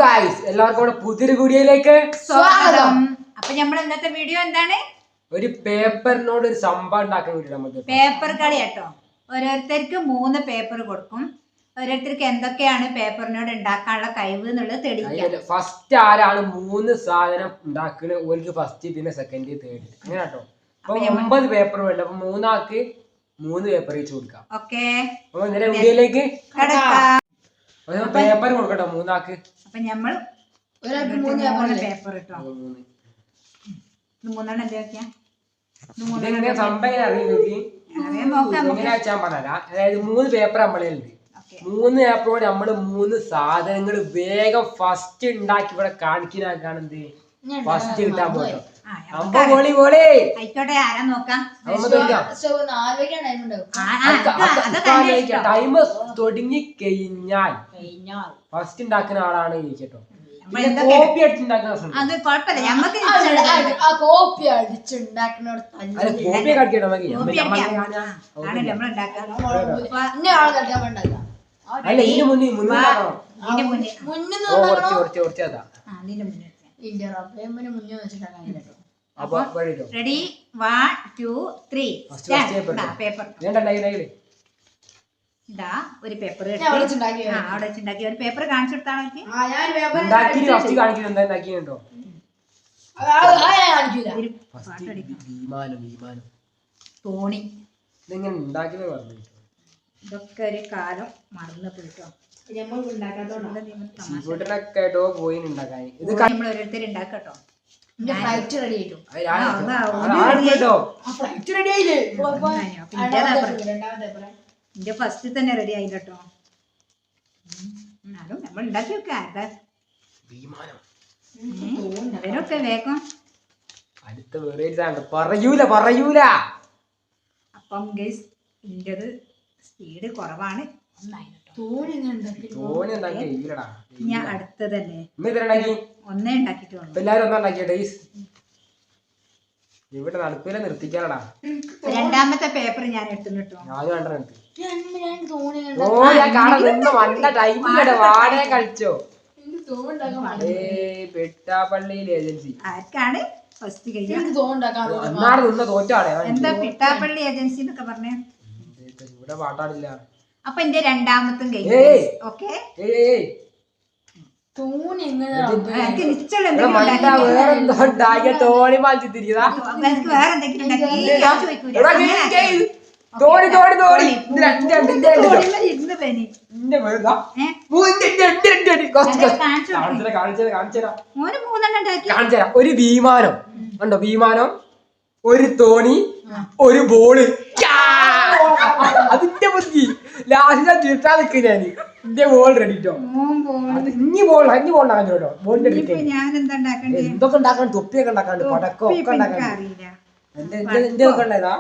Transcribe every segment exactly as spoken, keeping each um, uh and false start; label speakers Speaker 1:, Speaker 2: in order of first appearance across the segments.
Speaker 1: Guys എല്ലാവർക്കും പുതിയൊരു വീഡിയോയിലേക്ക്
Speaker 2: സ്വാഗതം. അപ്പൊ നമ്മൾ ഇന്നത്തെ വീഡിയോ എന്താണ്?
Speaker 1: ഒരു പേപ്പറിനോട് ഒരു സംഭവം ഉണ്ടാക്കാൻ വേണ്ടി നമുക്ക്
Speaker 2: പേപ്പർ കളി കേട്ടോ. ഓരോരുത്തർക്ക് മൂന്ന് പേപ്പർ കൊടുക്കും. ഓരോരുത്തർക്ക് എന്തൊക്കെയാണ് പേപ്പറിനോട് ഉണ്ടാക്കാനുള്ള കഴിവ് എന്നുള്ളത് തെളിയിക്കാം.
Speaker 1: ഫസ്റ്റ് ആരാണ് മൂന്ന് സാധനം ഉണ്ടാക്കുന്നത് ഓർക്ക് ഫസ്റ്റ് പിന്നെ സെക്കൻഡ് തേർഡ് അങ്ങനെ കേട്ടോ. അപ്പൊ ഒമ്പത് പേപ്പർ വേണ്ട. അപ്പൊ മൂന്നാൾക്ക് മൂന്ന് പേപ്പർ വെച്ച് കൊടുക്കാം.
Speaker 2: ഓക്കെ,
Speaker 1: അപ്പൊ ഇന്നലെ വീഡിയോയിലേക്ക് പേപ്പർ കൊടുക്കട്ടോ മൂന്നാൾക്ക്.
Speaker 2: അപ്പൊ നമ്മൾ പേപ്പർ ഇട്ടോ. മൂന്നെണ്ണം എന്തൊക്കെയാ
Speaker 1: സംഭവം അറിയുന്നെങ്കിൽ എങ്ങനെ വെച്ചാൽ പറഞ്ഞാ, അതായത് മൂന്ന് പേപ്പർ നമ്മളുണ്ട്. മൂന്ന് പേപ്പറോട് നമ്മള് മൂന്ന് സാധനങ്ങൾ വേഗം ഫസ്റ്റ് ഉണ്ടാക്കി ഇവിടെ കാണിക്കാനാക്കാണെന്ത് ഫസ്റ്റ് കിട്ടാൻ പോട്ടോ.
Speaker 2: ആയിക്കോട്ടെ, ആരാ നോക്കാം.
Speaker 1: ടൈം തുടങ്ങി കഴിഞ്ഞാൽ ഫസ്റ്റ് ഉണ്ടാക്കുന്ന ആളാണ് ഇരിക്കട്ടോ. കോപ്പി അടിച്ചുണ്ടാക്കുന്ന
Speaker 3: കോപ്പി അടിച്ചുണ്ടാക്കുന്ന
Speaker 1: കോപ്പി കടിക്കട്ടോ. അല്ല ഇതിന് മുന്നേ
Speaker 2: ready, one two three paper. ഇതാ ഒരു പേപ്പർ അവിടെ വെച്ചുണ്ടാക്കി ഒരു പേപ്പർ കാണിച്ചു കൊടുത്താണോ? തോണി ഇതൊക്കെ ഒരു കാലം മറന്നു പോയിട്ടോ. നമ്മൾ ഓരോരുത്തർ ഉണ്ടാക്കട്ടോ. എന്റെ ഫസ്റ്റ് തന്നെ റെഡി ആയില്ല കേട്ടോ. എന്നാലും നമ്മൾ ഉണ്ടാക്കി വെക്ക. അതിനൊക്കെ വേഗം
Speaker 1: പറയൂല പറയൂല
Speaker 2: അപ്പം ഗൈസ് ഇന്റത് സ്പീഡ് കുറവാണ്. ഞാൻ അടുത്തതല്ലേ ഒന്നേ ഉണ്ടാക്കിട്ടുള്ളൂ.
Speaker 1: ഇവിടെ നടപ്പില നിർത്തിക്കാനടാ.
Speaker 2: രണ്ടാമത്തെ പേപ്പർ ഞാൻ എടുത്തു കേട്ടോ.
Speaker 1: വാടക കളിച്ചോ പെട്ടാപ്പള്ളിയിൽ ഏജൻസി
Speaker 2: ആർക്കാണ് ഫസ്റ്റ്
Speaker 1: നിന്ന് തോറ്റാണ്.
Speaker 2: എന്താ പിട്ടാപ്പള്ളി ഏജൻസി എന്നൊക്കെ പറഞ്ഞേ?
Speaker 1: ഇവിടെ പാട്ടാടില്ല.
Speaker 2: അപ്പൊ എന്റെ രണ്ടാമത്തും കഴിഞ്ഞു. ഓക്കെ,
Speaker 1: തോണി മാറ്റി തിരികെ തോണി തോണി തോണി ഒരു വിമാനം ഉണ്ടോ? വിമാനം, ഒരു തോണി, ഒരു ബോള്. അതിന്റെ ബുദ്ധി ലാസ്റ്റ് ചുരുട്ടാ നിൽക്കുക. ഞാൻ എന്റെ ബോൾ റെഡിട്ടോ. ഇനി ബോൾ ഇനി ബോൾ ഉണ്ടാക്കാൻ കേട്ടോ. ബോളിന്റെ എന്തൊക്കെ ഉണ്ടാക്കാൻ, തൊപ്പിയൊക്കെ ഉണ്ടാക്കാണ്ട്, പടക്കം ഒക്കെ ഉണ്ടാക്കാൻ. എന്റെ എന്റെ ഒക്കെ ഉണ്ടായതാ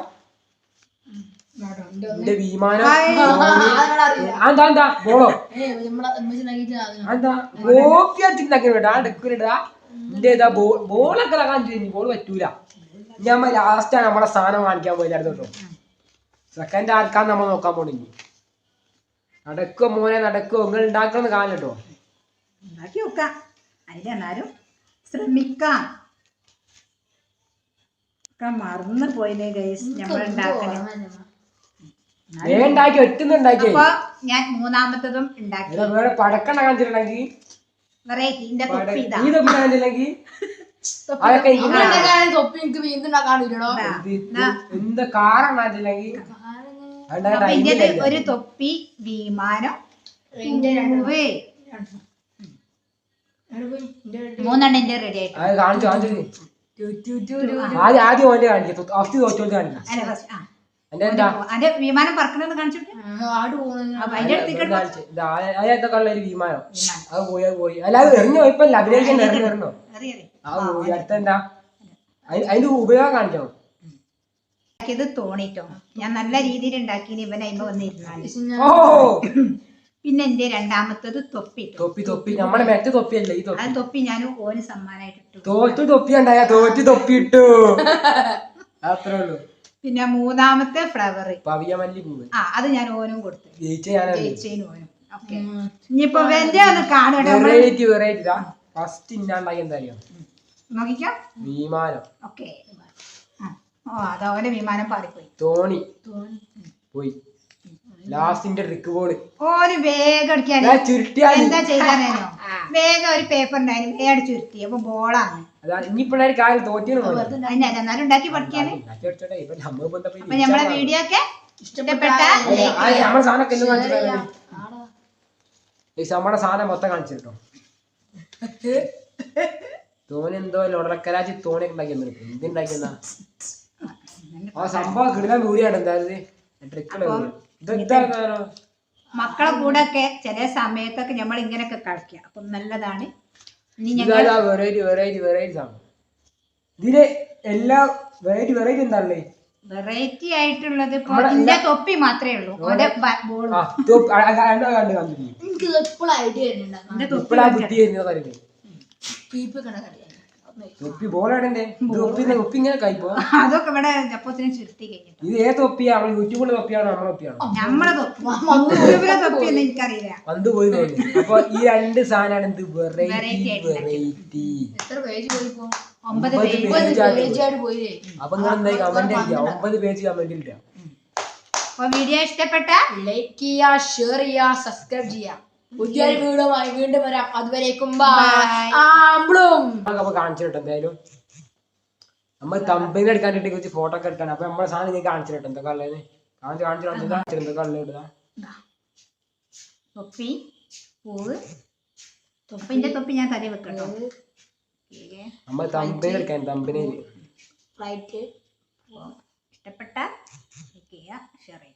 Speaker 1: എന്റെ വിമാനം. എന്താ എന്താ ബോളോ എന്താ കോപ്പി അടിച്ചുണ്ടാക്കിട്ടാ എടുക്കൂലടാ. എന്റെ ഏതാ ബോൾ ബോളൊക്കെ ഇളകാൻ ചെയ്യും. ബോൾ പറ്റൂല. ഞാൻ ലാസ്റ്റാണ് നമ്മളെ സാധനം കാണിക്കാൻ പോയില്ലായിരുന്നു കേട്ടോ. സെക്കൻഡ് ആർക്കാന്ന് നമ്മൾ നോക്കാൻ പോണില്ല. നടക്കോ മോനെ നടക്കോ, നിങ്ങൾ ഉണ്ടാക്കണമെന്ന് കാണും കേട്ടോ.
Speaker 2: ഉണ്ടാക്കി നോക്കാം. അതിലെന്നാലും ശ്രമിക്കാം. മറന്നു പോയില്ലേ ഗൈസ് നമ്മൾ ഉണ്ടാക്കണേ.
Speaker 1: ഉണ്ടാക്കി ഒറ്റുന്നുണ്ടാക്കി.
Speaker 2: അപ്പൊ ഞാൻ മൂന്നാമത്തതും ഉണ്ടാക്കി.
Speaker 1: വേറെ പടക്കം കാണിച്ചിട്ടുണ്ടെങ്കിൽ
Speaker 2: വെറൈറ്റി ഇതിന്റെ തൊപ്പി ഇതാ.
Speaker 1: ഈ തൊപ്പി കാണിച്ചിട്ടുണ്ടെങ്കിൽ എന്ത് കാറാണ് കാണിച്ചിട്ടുണ്ടെങ്കിൽ
Speaker 2: ഒരു തൊപ്പി, വിമാനം, മൂന്നെണ്ണം റെഡി ആയിട്ട്
Speaker 1: കാണിച്ചു കാണിച്ചു. ആദ്യം ആദ്യം ഓന്റെ കാണിക്കും. ഫസ്റ്റ് തോറ്റോണ്ട് കാണിക്കാം.
Speaker 2: അതിന്റെ വിമാനം പറക്കണെന്ന് കാണിച്ചിട്ട്
Speaker 1: അതിനകത്തൊക്കെ ഉള്ള ഒരു വിമാനം അത് പോയി അത് പോയി. അല്ലാതെ എറിഞ്ഞു പോയപ്പോ അഭിനയിക്കാൻ എറിഞ്ഞു എറിഞ്ഞോ ആ പോയി. അടുത്തെന്താ അതിന്റെ ഉപയോഗം കാണിക്കണം.
Speaker 2: ഇത് തോണിട്ടോ. ഞാൻ നല്ല രീതിയിൽ ഉണ്ടാക്കി. ഇവൻ അയിമ വന്നിരുന്നാല്. പിന്നെ എന്റെ രണ്ടാമത്തത് തൊപ്പി.
Speaker 1: തൊപ്പി തൊപ്പി നമ്മളെ മറ്റേ തൊപ്പിയല്ലേ ഈ തൊപ്പി.
Speaker 2: ആ തൊപ്പി ഞാൻ ഓന് സമ്മാനായിട്ട് ഇട്ടു.
Speaker 1: തോറ്റു തൊപ്പി ഉണ്ടായ തോറ്റു തൊപ്പി ഇട്ടു. അത്രേ ഉള്ളൂ.
Speaker 2: പിന്നെ മൂന്നാമത്തെ ഫ്ലവർ
Speaker 1: പവിയമല്ലി പൂവ്.
Speaker 2: ആ അത് ഞാൻ ഓനും കൊടുത്തു.
Speaker 1: ജയിച്ച ഞാൻ
Speaker 2: ജയിച്ചതിന് ഓനും. ഓക്കെ ഇനിയിപ്പോ വെന്റെ ഒന്ന് കാണുക
Speaker 1: വെറൈറ്റി വെറൈറ്റി ഇതാ ഫസ്റ്റ് ഇന്നാണ്ടായി എന്താ അറിയാം
Speaker 2: നോക്കിക്കോ
Speaker 1: വിമാനം
Speaker 2: ഓക്കെ ഓ അതവന്റെ വിമാനം പാറിപ്പോയി
Speaker 1: തോണി പോയി ലാസ്റ്റിന്റെ ട്രിക്ക് ബോള്
Speaker 2: ഒരു വേഗം അടിക്കാൻ
Speaker 1: ചുരുട്ടിയാൽ
Speaker 2: എന്താ ചെയ്താനോ വേഗം ഒരു പേപ്പർ ഉണ്ടായിരുന്നു വേഗം ചുരുട്ടി അപ്പൊ ബോളാണ്
Speaker 1: അതാണ് ഇനിയിപ്പോഴൊരു കാര്യം തോറ്റിയാണ്
Speaker 2: അതിനെ എന്നാലും ഉണ്ടാക്കി പഠിക്കാന് അപ്പൊ നമ്മളെ വീഡിയോ ഒക്കെ ഇഷ്ടപ്പെട്ട
Speaker 1: നമ്മുടെ സാധനമൊക്കെ എല്ലാം കാണിച്ചിട്ടുണ്ടോ നമ്മുടെ സാധനം മൊത്തം കാണിച്ചിട്ടോ തോണി എന്തോ ലോടക്കരാജി തോണി ഉണ്ടാക്കി എന്തുണ്ടാക്കിയെന്നാ ആ സംഭവം കിടക്കാൻ വീടിയാണ് എന്തായാലും ട്രിക്കുള്ള ഇതെന്താ
Speaker 2: മക്കളെ കൂടെ ഒക്കെ ചില സമയത്തൊക്കെ നമ്മൾ ഇങ്ങനെയൊക്കെ കളിക്കുക അപ്പൊ നല്ലതാണ് ഇനി
Speaker 1: വെറൈറ്റി വെറൈറ്റി വെറൈറ്റി സാധനം ഇതില് എല്ലാ വെറൈറ്റി വെറൈറ്റി എന്താണല്ലേ
Speaker 2: വെറൈറ്റി ആയിട്ടുള്ളത് ഇപ്പൊ ഇതിന്റെ തൊപ്പി മാത്രമേ ഉള്ളൂ ഓന്റെ ബോൾ
Speaker 1: കണ്ടു കണ്ടില്ലേ
Speaker 3: എനിക്ക് എപ്പോഴും ഐഡിയ വരുന്നുണ്ടാകും
Speaker 1: ഇപ്പോഴാ ബുദ്ധി വരുന്ന കാര്യം
Speaker 3: പീപ്പ് കണക്കറിയാം
Speaker 1: തൊപ്പി ബോളാടണ്ടേ തൊപ്പി തൊപ്പി ഇങ്ങനെ കഴിപ്പോ
Speaker 2: അതൊക്കെ ഇവിടെ അപ്പത്തിന് ചുരുട്ടി കഴിഞ്ഞിട്ട്
Speaker 1: ഇത് ഏത് തൊപ്പിയാ നമ്മൾ യൂട്യൂബിലെ തൊപ്പിയാണോ നമ്മളെ തൊപ്പിയാണോ
Speaker 2: നമ്മളെ തൊപ്പി യൂട്യൂബിലെ തൊപ്പി ഒന്നും എനിക്കറിയില്ല
Speaker 1: വന്ന് പോയി തോന്നി അപ്പൊ ഈ രണ്ട് സാധനമാണ് എന്ത് വെറൈറ്റി വെറൈറ്റി
Speaker 3: എത്ര പേജ് പോയിപ്പോ
Speaker 2: ഒമ്പത്
Speaker 3: പേജ് ആയിട്ട് പോയി
Speaker 1: അപ്പൊ നിങ്ങൾ എന്തായി കമന്റ് ഇല്ല ഒമ്പത് പേജ് കമന്റ് ഇല്ല
Speaker 2: അപ്പൊ വീഡിയോ ഇഷ്ടപ്പെട്ട
Speaker 3: ലൈക്ക് ചെയ്യാ ഷെയർ ചെയ്യാ സബ്സ്ക്രൈബ് ചെയ്യാ പുതിയൊരു വീഡിയോമായി വീണ്ടും വരാം അതുവരേക്കും ആമ്പ്ലും
Speaker 1: അപ്പൊ കാണിച്ചിട്ട് എന്തായാലും നമ്മൾ കമ്പനി എടുക്കാൻ വേണ്ടി കുറച്ച് ഫോട്ടോ ഒക്കെ എടുക്കാൻ അപ്പൊ നമ്മളെ സാധനം നിങ്ങൾക്ക് കാണിച്ചിട്ട് എന്തൊക്കെ ഉള്ളത് കാണിച്ച് കാണിച്ചിട്ട് എന്തൊക്കെ ഉള്ളത് ഇടുക
Speaker 2: തൊപ്പി പൂവ് തൊപ്പിന്റെ തൊപ്പി ഞാൻ തലയിൽ വെക്കട്ടോ
Speaker 1: നമ്മൾ കമ്പനി എടുക്കാൻ കമ്പനിയിൽ
Speaker 3: ഫ്ലൈറ്റ്
Speaker 2: ഇഷ്ടപ്പെട്ട ഷെയർ ചെയ്യുക